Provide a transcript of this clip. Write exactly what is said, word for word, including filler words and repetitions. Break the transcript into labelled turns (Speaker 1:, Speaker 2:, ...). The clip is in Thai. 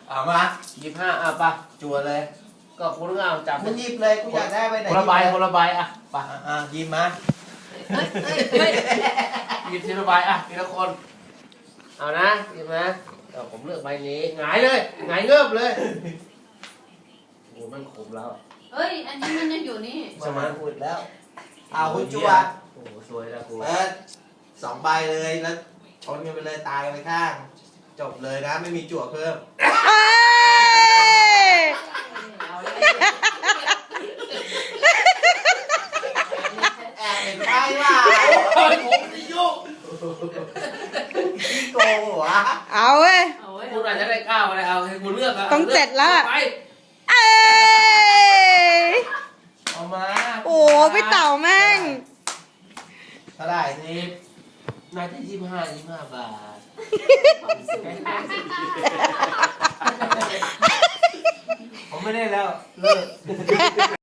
Speaker 1: เอามา
Speaker 2: ยี่สิบห้าอ่ะปะจั่วเลย ก็คุณเอาจับ
Speaker 1: มึงหยิบเลยกูอยากได้ไปไหน
Speaker 2: คนละใบคนละใบอ่ะปะ
Speaker 1: อ่ะอ่ะหยิบมา
Speaker 2: เฮ้ยเฮ้ยเฮ้ยหยิบทีละใบอ่ะทีละคน เอานะหยิบนะเอาผมเลือกใบนี้หงายเลยหงายเงือบเลยโอ้มันขมแล้ว
Speaker 3: เอ้ย อันนี้มันยังอยู่นี่
Speaker 1: สมานพูดแล้วเอาคุณจัว
Speaker 2: โอ้โหสวยแล้วกู
Speaker 1: เปิดสองใบเลยแล้วชนกันไปเลยตายกันไปข้าง จบเลยนะไม่มีจั่วเพิ่ม
Speaker 4: เอ้ย
Speaker 3: เอาเลย
Speaker 1: แอบเห็นไพ่ว่า
Speaker 2: เฮ้ยผมจะยุ่ง
Speaker 1: พี่โกงเหรอวะ
Speaker 4: เอาเว้ย
Speaker 3: เอาไว้
Speaker 2: คุณอาจจะได้ก้าวอะไรเอาให้คุณเลือกะ
Speaker 4: ต้องเจ็ดแล้ว
Speaker 2: ไป
Speaker 4: เอ้ย
Speaker 2: เอามา
Speaker 4: โอ้พี่เต่าแม่ง
Speaker 1: เท่าไหร่
Speaker 2: สิบน่าจะยี่สิบห้ายี่สิบห้าบาท
Speaker 3: ความสุข
Speaker 2: ผมไม่ได้แล้ว เลิก